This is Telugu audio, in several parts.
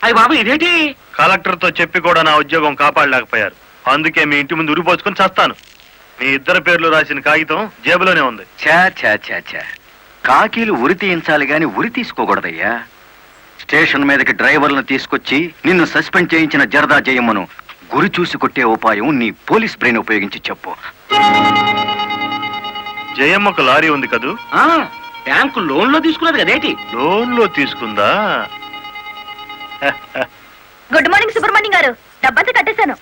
అయ్య బాబు ఇదేంటి? కలెక్టర్ తో చెప్పి కూడా నా ఉద్యోగం కాపాడలేకపోయారు. అందుకే మీ ఇంటి ముందు ఉరిపోసుకొని చస్తాను. మీ ఇద్దరు పేర్లు రాసిన కాగితం జేబులోనే ఉంది. ఛా ఛా ఛా ఛా, కాకీలు ఉరి తీయించాలి గాని ఉరి తీసుకోకూడదయ్యా. స్టేషన్ మీదకి డ్రైవర్లను తీసుకొచ్చి నిన్ను సస్పెండ్ చేయించిన జరదా జయమ్మను గురి చూసి కొట్టే ఉపాయం నీ పోలీస్ బ్రెయిన్ ఉపయోగించి చెప్పు. జయమ్మకు లారీ ఉంది కదూ? బ్యాంకు లోన్ లో తీసుకున్నది కదేటి? లోన్ లో తీసుకుందా? గుడ్ మార్నింగ్ సుబ్రహ్మణ్యం గారు, డబ్బంతా కట్టేశాను.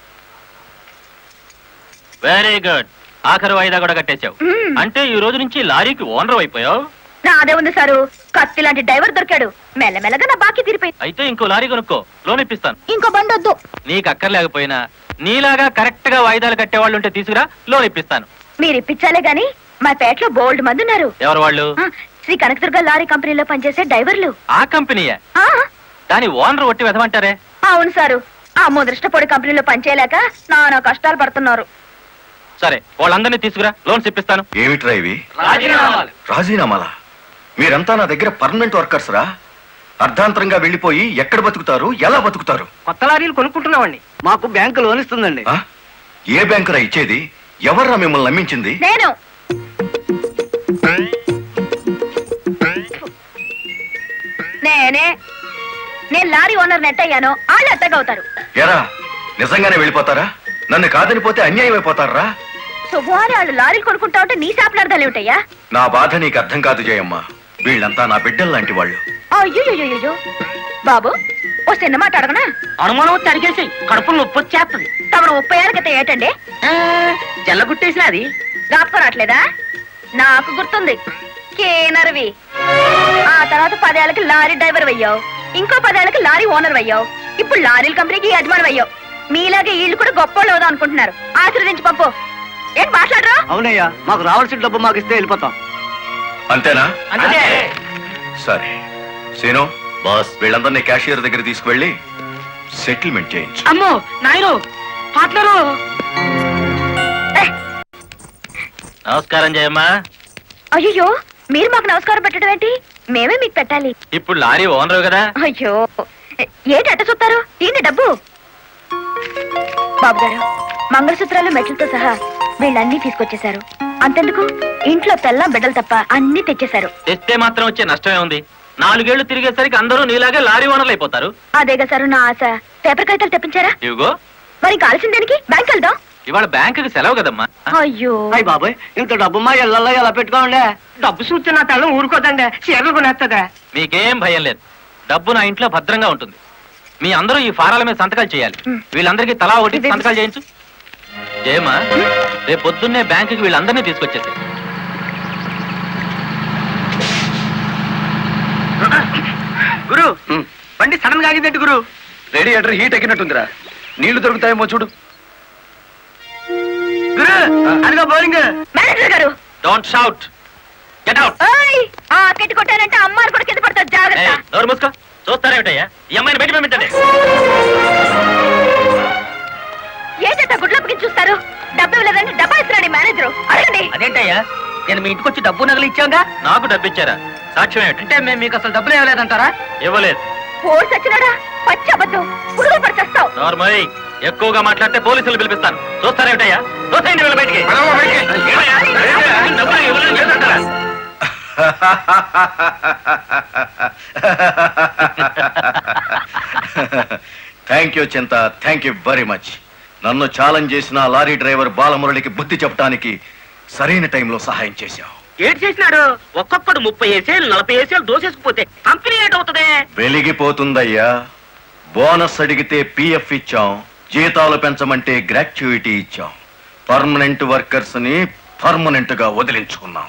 Very good. ఆఖరు వాయిదా కూడా కట్టేశావు. అంటే ఈ రోజు నుంచి లారీకి ఓనర్ అయిపోయావు. నాదే ఉంది సారు, కత్తి లాంటి డ్రైవర్ దొరికాడు. మెల్లమెల్లగా నా బాకీ తీరిపోయింది. అయితే ఇంకో లారీ కొనుక్కో, లోన్ ఇప్పిస్తాను. ఇంకో బండి వద్దు. నీకు అక్కర్లేకపోయినా నీలాగా కరెక్ట్ గా వాయిదాలు కట్టేవాళ్ళు ఉంటే తీసుకురా, లోన్ ఇప్పిస్తాను. మీరు ఇప్పించాలే గాని మా పేటలో బోల్డ్ మంది ఉన్నారు. ఎవరు వాళ్ళు? శ్రీ కనకదుర్గ లారీ కంపెనీలో పనిచేసే డ్రైవర్లు. ఆ కంపెనీయా? ఆ, దాని ఓనర్ ఒట్టి వెదమంటారే? అవును సారు, ఆ ముదృష్టపొడి కంపెనీలో పనిచేయలేక నానా కష్టాలు పడుతున్నారు. సరే, వాళ్ళందరినీ తీసుకురా, లోన్స్ ఇప్పిస్తాను. ఏమిట్రా ఇవి? రాజీనామాలు. రాజీనామాలా? మీరంతా నా దగ్గర పర్మనెంట్ వర్కర్స్ రా. అర్ధాంతరంగా వెళ్ళిపోయి ఎక్కడ బతుకుతారు, ఎలా బతుకుతారు? కొత్త లారీలు కొనుక్కుంటున్నామండి. మాకు బ్యాంకు లోన్ ఇస్తుందండి. ఆ? ఏ బ్యాంకురా ఇచ్చేది? ఎవర్రా మిమ్మల్ని నమ్మించింది? నేను నేను లారీ ఓనర్ నెట్ అయ్యాను, వాళ్ళు ఎట్టగవుతారు. ఎరా, నిజంగానే వెళ్ళిపోతారా? నన్ను కాదని పోతే అన్యాయం అయిపోతారా? శుభవారి వాళ్ళు లారీలు కొనుక్కుంటా ఉంటే నీ శాపలార్థాలు ఏమిటయ్యా? నా బాధ నీకు అర్థం కాదు జయమ్మ. వీళ్ళంతా నా బిడ్డలు లాంటి వాళ్ళు. అయ్యో బాబు, ఓ చిన్న మాట అడగనా? అనుమానం తరిగేసి కడుపులు నొప్పి వచ్చేస్తుంది. తమను 30 ఏళ్ళ క్రితం ఏటండి జల్లగుట్టేసిన అది జ్ఞాపకం రావట్లేదా? నాకు గుర్తుంది, కేనర్వి. ఆ తర్వాత 10 ఏళ్ళకి లారీ డ్రైవర్ అయ్యావు, ఇంకో 10 ఏళ్ళకి లారీ ఓనర్ అయ్యావు, ఇప్పుడు లారీల కంపెనీకి యజమాని అయ్యావు. మీలాగే వీళ్ళు కూడా గొప్ప వాళ్ళు అనుకుంటున్నారు. ఆశీర్వదించి పంపు. ఏంటి మాట్లాడరా? అవునయ్యా, మాకు రావాల్సిన డబ్బు మాకు ఇస్తే వెళ్ళిపోతాం. అంతేనా? అంతే. సరే సీను బాస్, వీళ్ళందరినీ క్యాషియర్ దగ్గర తీసుకువెళ్ళి సెటిల్మెంట్ చేయించు. అమ్మో నాయను, పార్ట్నరు. నమస్కారం జయమ్మా. అయ్యో, మీరు మాకు నమస్కారం పెట్టడం ఏంటి? మేమే మీకు పెట్టాలి. ఇప్పుడు లారీ ఓనర్ కదా. అయ్యో, ఏంటి అట్ట చూస్తారు? ఏంటి డబ్బు? బాబు గారు, మంగళసూత్రాలు మెట్లతో సహా వీళ్ళన్నీ తీసుకొచ్చేశారు. అంతెందుకు, ఇంట్లో తెల్లం బిడ్డలు తప్ప అన్ని తెచ్చేశారు. తెస్తే మాత్రం వచ్చే నష్టమే ఉంది. 4 ఏళ్లు తిరిగేసరికి అందరూ నీలాగే లారీ ఓనర్లు అయిపోతారు. అదేగా సారు నా ఆశ. పేపర్ కాగితాలు తెప్పించారా? ఇవిగో. మరి కాల్సిన దానికి బ్యాంక్ వెళ్దాం. ఇవాళ బ్యాంకుకి సెలవు కదమ్మా. అయ్యో అయ్యి బాబాయ్, ఇంత డబ్బు మా ఇళ్లలో ఎలా పెట్టుకోండి? డబ్బు చూస్తే నా తల్లం ఊరుకోదండి, చీరలు కొనేస్తుందా? మీకేం భయం లేదు, డబ్బు నా ఇంట్లో భద్రంగా ఉంటుంది. మీ అందరూ ఈ ఫారాల మీద సంతకాలు చేయాలి. వీళ్ళందరికీ తలా ఒకటి సంతకాలు చేయించు. జయమ్మా, రేపు పొద్దున్నే బ్యాంకుకి వీళ్ళందరినీ తీసుకొచ్చేసి. గురు, బండి సడన్ గా ఆగిందండి గురు. Radiator heat ఎక్కినట్టుందిరా. నీళ్లు దొరుకుతాయేమో చూడు. గురు, అదిగో bowling. Manager garu, don't shout, get out. ఓయ్, ఆ కెట్టి కొట్టారంటే అమ్మారు కూడా కింద పడతారు, జాగ్రత్త. నోరు మూసుకో. చూస్తారేమిటయ్యా, ఈ అమ్మాయిని బయట పంపించండి. ఏంటంటే గుడ్లప్పకి చూస్తారు? డబ్బు ఇవ్వలేదంటే డబ్బా ఇస్తున్నాడు మేనేజరు. అడగండి. అదేంటయ్యా, నేను మీ ఇంటికి వచ్చి డబ్బు నగలు ఇచ్చాగా? నాకు డబ్బు ఇచ్చారా? సాక్ష్యం ఏమిటి? అంటే మేము మీకు అసలు డబ్బులు ఇవ్వలేదంటారా? ఇవ్వలేదు. పోర్స్ వచ్చినాడా? పచ్చి అబద్ధం, పురుగు పడిచేస్తావు. నార్మల్, ఎక్కువగా మాట్లాడితే పోలీసులు పిలిపిస్తాను. చూస్తారేమిటయ్యా? చూస్తాయండి వీళ్ళ బయటికి. ఏమయ్యా? డబ్బులు ఇవ్వలేదు చేస్తుంటారా? థ్యాంక్ యూ చింత, థ్యాంక్ యూ వెరీ మచ్. నన్ను ఛాలెంజ్ చేసిన లారీ డ్రైవర్ బాలమురళికి బుద్ధి చెప్పడానికి సరైన టైంలో సహాయం చేశావు. ఏడు చేసినాడు? ఒక్కొక్కడు 30 ఏసేలు 40 ఏసేలు దోసేసుకుపోతే కంపెనీ ఏటవుతుంది? వెలిగిపోతుందయ్యా. బోనస్ అడిగితే పిఎఫ్ ఇచ్చాం, జీతాలు పెంచమంటే గ్రాట్యుయిటీ ఇచ్చాం. పర్మనెంట్ వర్కర్స్ ని పర్మనెంట్ గా వదిలించుకున్నాం.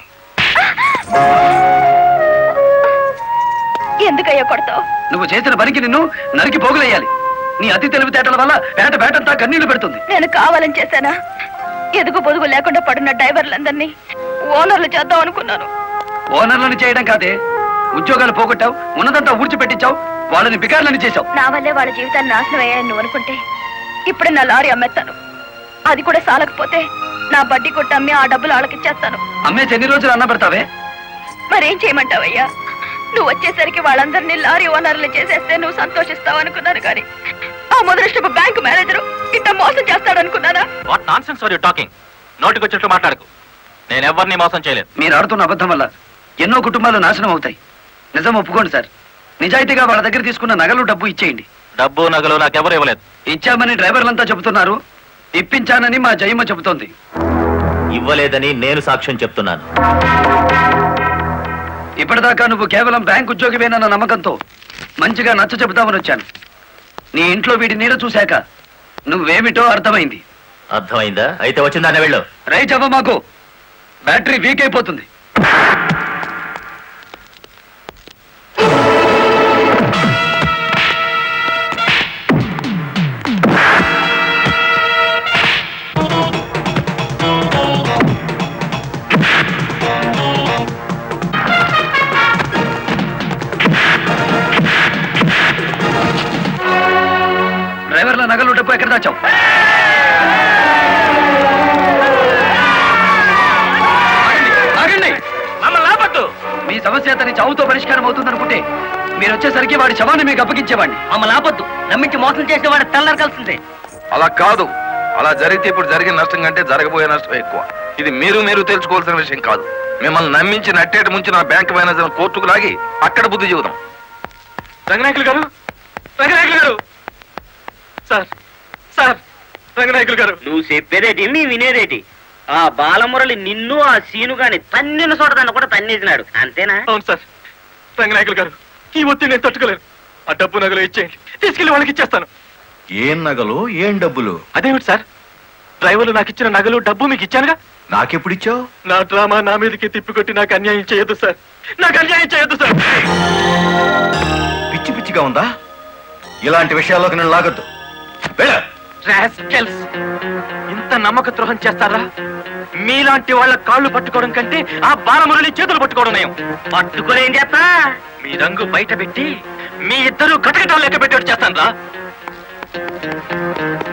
ఎందుకయ్యా కొడతావు? నువ్వు చేసిన పనికి నిన్ను నరికి పోగులేయాలి. నీ అతి తెలివితేటల వల్ల బేటంతా కన్నీళ్లు పెడుతుంది. నేను కావాలని చేశానా? ఎదుగు పొదుగు లేకుండా పడున్న డ్రైవర్లందరినీ ఓనర్లు చేద్దాం అనుకున్నాను. ఓనర్లను చేయడం కాదే, ఉద్యోగాలు పోగొట్టావు, ఉన్నదంతా ఊడ్చిపెట్టించావు, వాళ్ళని బికార్లని చేశావు. నా వల్లే వాళ్ళ జీవితాన్ని నాశనం అయ్యాయని నువ్వు అనుకుంటే ఇప్పుడు నా లారీ అమ్మేస్తాను. అది కూడా సాలకపోతే నా బడ్డీ కొట్టి అమ్మి ఆ డబ్బులు వాళ్ళకిచ్చేస్తాను. అమ్మేసి ఎన్ని రోజులు అన్న పెడతావే? మరేం చేయమంటావయ్యా? నువ్వు వచ్చేసరికి వాళ్ళందరినీ లారీ ఓనర్లు చేసేస్తే నువ్వు సంతోషిస్తావు అనుకున్నాను కానీ ఆ మొదలష్టపు బ్యాంకు మేనేజరు ఇట్లా మోసం చేస్తాడనుకున్నానా? What nonsense are you talking? నోటికొచ్చినట్టు మాట్లాడకు. నేను ఎవరిని మోసం చేయలేదు. మీరు ఆడుతున్న అబద్ధం వల్ల ఎన్నో కుటుంబాలు నాశనం అవుతాయి. నిజం ఒప్పుకోండి సార్. నిజాయితీగా వాళ్ళ దగ్గర తీసుకున్న నగలు డబ్బు ఇచ్చేయండి. డబ్బు నగలు నాకెవరు ఇవ్వలేదు. ఇచ్చామని డ్రైవర్లంతా చెబుతున్నారు, ఇప్పించానని మా జయమ్మ చెబుతోంది. ఇవ్వలేదని నేను సాక్ష్యం చెప్తున్నాను. ఇప్పటిదాకా నువ్వు కేవలం బ్యాంక్ ఉద్యోగివేనన్న నమ్మకంతో మంచిగా నచ్చ చెబుతామని వచ్చాను. నీ ఇంట్లో వీడి నీడ చూశాక నువ్వేమిటో అర్థమైంది. అర్థమైందా? అయితే వచ్చిందానే వెళ్ళు. రైట్ అవ్వ, మాకు బ్యాటరీ వీక్ అయిపోతుంది. డ్రైవర్ల నగలు డబ్బు ఎక్కడ దాచావు? ఆగండి. మమ్మల్ని ఆపొద్దు. మీ సమస్య అతని చావుతో పరిష్కారం అవుతుందనుకుంటే మీరు వచ్చేసరికి వాడి శవాన్ని మీకు అప్పగించేవాడిని. మమ్మల్ని ఆపొద్దు. నమ్మించి మోసం చేసేవాడు తెల్లారకాల్సిందే. అలా కాదు. అలా జరిగితే ఇప్పుడు జరిగిన నష్టం కంటే జరగబోయే నష్టం ఎక్కువ. ఇది మీరు తెలుసుకోవాల్సిన విషయం కాదు. మిమ్మల్ని నమ్మించి నట్టేట ముంచి నా బ్యాంక్ మేనేజర్ కోర్టుకు లాగి అక్కడ బుద్ధి చెబుదాం. రంగనాయకులు గారు, రంగనాయకులు గారు, సార్ సార్, రంగనాయకులు గారు. నువ్వు చెప్పేదేటి నీ వినేదేటి? ఆ బాలమురళి నిన్ను ఆ సీను గాని తన్నిన చోటదాన్ని కూడా తన్నేసినాడు అంతేనా? అవును సార్. రంగనాయకులు గారు, ఈ ఒత్తిడి నేను తట్టుకోలేను. ఆ డబ్బు నగలు ఇచ్చేయండి, తీసుకెళ్లి వాళ్ళకి ఇచ్చేస్తాను. ఏం నగలు, ఏం డబ్బులు? అదేమిటి సార్, డ్రైవర్లు నాకు ఇచ్చిన నగలు డబ్బు మీకు ఇచ్చానుగా. నాకెప్పుడిచ్చావు? నా డ్రామా నా మీదకి తిప్పికొట్టి నాకు అన్యాయం చేయొద్దు సార్. నాకు అన్యాయం చేయొద్దు సార్. పిచ్చి పిచ్చిగా ఉందా? ఇలాంటి విషయాల్లోకి నేను లాగొద్దు. వెళ్ళ. రాస్కెల్స్, ఇంత నమ్మక ద్రోహం చేస్తారా? మీలాంటి వాళ్ళ కాళ్ళు పట్టుకోవడం కంటే ఆ బాలమురళి చేతులు పట్టుకోవడం నయం. పట్టుకొని ఏం చేస్తా? మీ రంగు బయట పెట్టి మీ ఇద్దరు కటకటాలు లెక్క పెట్టేట్టు చేస్తాను రా.